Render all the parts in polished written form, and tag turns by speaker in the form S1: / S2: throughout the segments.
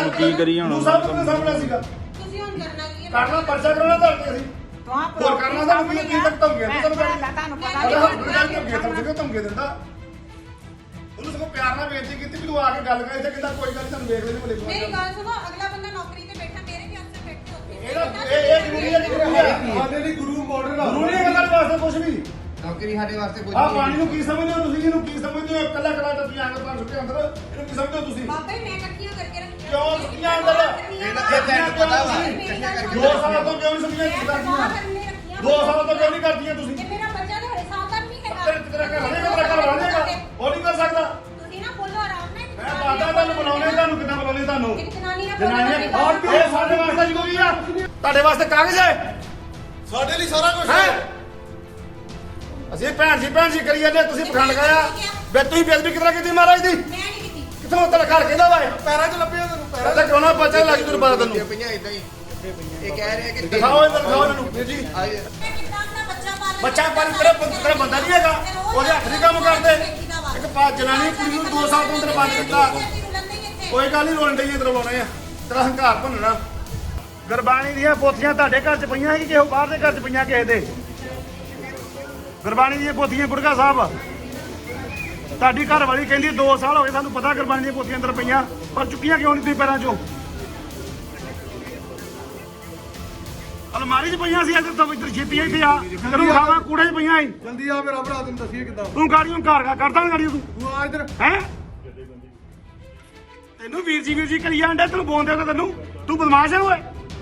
S1: ਹੁਣ ਕੀ ਕਰੀਏ ਹੁਣ
S2: ਸਭ ਤੋਂ ਸਾਹਮਣੇ ਸੀਗਾ
S3: ਤੁਸੀਂ ਹੁਣ ਕਰਨਾ ਕੀ ਹੈ?
S2: ਕਰਨਾ ਪਰਚਾ ਕਰਾਉਣਾ ਧਰਕੇ ਅਸੀਂ ਹੋਰ ਕਰਨਾ ਤਾਂ ਕੀ ਤੱਕ ਧਮਕੀਆਂ ਤੁਹਾਨੂੰ
S3: ਤੁਹਾਨੂੰ ਪਤਾ
S2: ਧਮਕੀ ਦਿੰਦਾ ਉਹਨੂੰ ਸਗੋਂ ਪਿਆਰ ਨਾਲ ਬੇਨਤੀ ਕੀਤੀ ਵੀ ਤੂੰ ਆ ਕੇ ਗੱਲ ਕਰ ਇੱਥੇ ਕਹਿੰਦਾ ਕੋਈ ਗੱਲ ਤੁਹਾਨੂੰ ਵੇਖ ਲੈਣੇ ਬੋਲੇ
S3: ਮੇਰੀ ਗੱਲ ਸੁਣੋ, ਅਗਲਾ ਬੰਦਾ ਨੌਕਰੀ ਤੇ ਬੈਠਾ ਮੇਰੇ ਵੀ ਅਫਸਰ ਬੈਠੇ ਉੱਥੇ
S2: ਇਹ ਜ਼ਰੂਰੀ ਹੈ ਸਾਡੇ ਲਈ ਗੁਰੂ ਮਾਡਲ ਆ ਗੁਰੂ ਨਹੀਂ ਗੱਲ ਵਾਸਤੇ ਕੁਝ ਵੀ
S4: ਨੌਕਰੀ ਸਾਡੇ ਵਾਸਤੇ ਕੁਝ
S2: ਆ ਪਾਣੀ ਨੂੰ ਕੀ ਸਮਝਦੇ ਹੋ ਤੁਸੀਂ ਇਹਨੂੰ ਕੀ ਸਮਝਦੇ ਹੋ ਕੱਲਾ ਕੱਲਾ ਤੁਸੀਂ ਆਂਗਰ ਪਾਣ ਸੁੱਟੇ ਅੰਦਰ ਇਹਨੂੰ ਕੀ ਸਮਝਦੇ ਹੋ ਤੁਸੀਂ
S3: ਬਾਬਾ ਜੀ ਮੈਂ ਇਕੱਠੀਆਂ ਕਰਕੇ ਰੱਖੀਆਂ
S2: ਕਿਉਂ ਸੁੱਟੀਆਂ ਅੰਦਰ
S4: ਪਤਾ ਵਾ
S2: ਦੋ ਸਾਲਾਂ ਤੋਂ ਕਿਉਂ ਨਹੀਂ ਸੁੱਟੀਆਂ ਕਰਦੀਆਂ 2 ਸਾਲਾਂ ਤੋਂ ਕਿਉਂ ਨਹੀਂ ਕਰਦੀਆਂ ਤੁਸੀਂ
S3: ਇਹ ਮੇਰਾ ਬੱਚਾ ਤਾਂ ਹਰੇ ਸਾਲ ਦਾ ਨਹੀਂ ਹੈਗਾ
S2: ਤੇਰਾ ਘਰ ਬਣੇਗਾ ਉਹ ਨਹੀਂ ਕਰ ਸਕਦਾ
S3: ਤੁਸੀਂ ਨਾ ਬੋਲੋ ਆਰਾਮ ਨਾਲ
S2: ਮੈਂ ਬਾਦਾ ਤੁਹਾਨੂੰ ਬਣਾਉਣੇ ਤੁਹਾਨੂੰ ਕਿੱਦਾਂ ਬਣਾਉਣੇ ਤੁਹਾਨੂੰ
S3: ਇੱਕ ਜਨਾਨੀ ਨਾਲ
S2: ਜਨਾਨੀਆਂ ਇਹ ਸਾਡੇ ਵਾਸਤੇ ਜ਼ਰੂਰੀ ਆ ਤੁਹਾਡੇ ਵਾਸਤੇ ਕਾਗਜ਼ ਹੈ
S5: ਸਾਡੇ ਲਈ ਸਾਰਾ ਕੁਝ
S2: ਹੈ ਅਸੀਂ ਭੈਣ ਜੀ ਕਰੀ ਜਾਂਦੇ ਤੁਸੀਂ ਪਖੰਡ ਗਾਇਆ ਵੇ ਤੁਸੀਂ ਬੇਦਬੀ ਕਿਤਨਾ ਕੀਤੀ ਮਹਾਰਾਜ ਦੀ
S3: ਮੈਂ ਨਹੀਂ ਕੀਤੀ
S2: ਕਿੱਥੋਂ ਤੇਰਾ ਘਰ ਕਹਿੰਦਾ ਵਾ
S5: ਪੈਰਾਂ 'ਚ ਲੱਭਿਆ ਤੈਨੂੰ
S2: ਪੈਰਾਂ ਤੇ ਕਿਉਂ ਨਾ ਪਤਾ ਲੱਗ ਤੈਨੂੰ ਪਤਾ ਤੈਨੂੰ
S4: ਪਈਆਂ ਇਦਾਂ ਹੀ ਇਹ ਕਹਿ ਰਹੇ ਕਿ
S2: ਦਿਖਾਓ ਦਿਖਾਓ ਇਹਨਾਂ ਨੂੰ ਵੀਰ ਜੀ
S3: ਮੈਂ ਕਿੱਦਾਂ ਆਪਣਾ ਬੱਚਾ ਪਾਲਣਾ
S2: ਬੱਚਾ ਪਾਲ ਤੇਰਾ ਬੰਦਾ ਨਹੀਂ ਹੈਗਾ ਉਹਦੇ ਹੱਥ ਨਹੀਂ ਕੰਮ ਕਰਦੇ ਇੱਕ ਜਨਾਨੀ ਕੁੜੀ ਨੂੰ 2 ਸਾਲ ਤੋਂ ਅੰਦਰ ਬੰਦ ਕੀਤਾ ਕੋਈ ਗੱਲ ਨਹੀਂ ਰੋਣ ਡਈਏ ਤਰਵਾਉਣੇ ਆ ਤੇਰਾ ਹੰਕਾਰ ਭੰਨਣਾ ਗੁਰਬਾਣੀ ਦੀਆਂ ਪੋਥੀਆਂ ਤੁਹਾਡੇ ਘਰ 'ਚ ਪਈਆਂ ਕਿ ਕਿਸੇ ਬਾਹਰ ਦੇ ਘਰ 'ਚ ਪਈਆਂ ਕਿਸੇ ਦੇ ਗੁਰਬਾਣੀ ਦੀਆਂ ਪੋਥੀਆਂ ਗੁਰਗਾ ਸਾਹਿਬ ਤੁਹਾਡੀ ਘਰ ਵਾਲੀ ਕਹਿੰਦੀ 2 ਸਾਲ ਹੋ ਗਏ ਸਾਨੂੰ ਪਤਾ ਗੁਰਬਾਣੀ ਦੀਆਂ ਪੋਥੀਆਂ ਅੰਦਰ ਪਈਆਂ ਪਰ ਚੁੱਕੀਆਂ ਕਿਉਂ ਨਹੀਂ ਤੁਸੀਂ ਪੈਰਾਂ 'ਚੋਂ ਅਲਮਾਰੀ 'ਚ ਪਈਆਂ ਸੀ ਇੱਧਰ ਤੋਂ ਇੱਧਰ ਛੇਤੀ ਇੱਥੇ ਆ ਤੈਨੂੰ ਖਾਵਾ ਕੂੜੇ 'ਚ ਪਈਆਂ ਸੀ
S5: ਜਲਦੀ ਆ ਮੇਰਾ ਭਰਾ ਤੈਨੂੰ ਦੱਸੀਏ ਕਿੱਦਾਂ
S2: ਤੂੰ ਗਾੜੀਆਂ ਘਰ ਕਰਦਾ ਗਾੜੀ ਤੂੰ
S5: ਤੂੰ ਆ ਇੱਧਰ
S2: ਹੈ ਤੈਨੂੰ ਵੀਰ ਜੀ ਕਰੀ ਜਾਂਦਾ ਤੈਨੂੰ ਬੋਲਦੇ ਤਾਂ ਤੈਨੂੰ ਤੂੰ ਬਦਮਾਸ਼ ਹੈ ਓਏ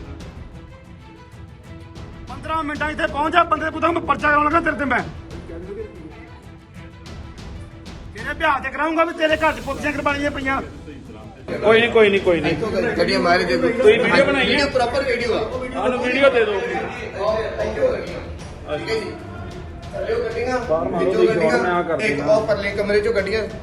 S2: 15 ਮਿੰਟਾਂ ਇੱਥੇ ਪਹੁੰਚਾ ਬੰਦੇ ਪੁੱਤਾਂ ਮੈਂ ਪਰਚਾ ਕਰਾਉਣ ਲੱਗਾ ਤੇਰੇ ਤੇ ਮੈਂ ਤੇਰੇ ਵਿਆਹ ਤੇ ਕਰਾਉਂਗਾ ਵੀ ਤੇਰੇ ਘਰ 'ਚ ਪੁੱਤੀਆਂ ਕੁਰਬਾਨੀਆਂ ਪਈਆਂ
S1: ਕੋਈ ਨਹੀਂ
S4: ਗੱਡੀਆਂ ਮਾਰੇ ਦੇ
S1: ਤੁਸੀਂ ਵੀਡੀਓ ਬਣਾਈ ਹੈ
S4: ਵੀਡੀਓ ਪ੍ਰੋਪਰ ਵੀਡੀਓ ਆ
S1: ਸਾਨੂੰ ਵੀਡੀਓ ਦੇ ਦਿਓ
S4: ਠੀਕ ਹੈ ਜੀ ਚਲਿਓ ਗੱਡੀਆਂ
S1: ਬਾਹਰ ਮਾਰੋ
S4: ਵਿੱਚੋਂ
S1: ਜੀ, ਮੈਂ ਆਹ
S4: ਗੱਡੀਆਂ
S1: ਕਰ
S4: ਇੱਕ
S1: ਦਿੰਦਾ।
S4: ਉਹ ਪਰਲੇ ਕਮਰੇ ਚੋਂ ਗੱਡੀਆਂ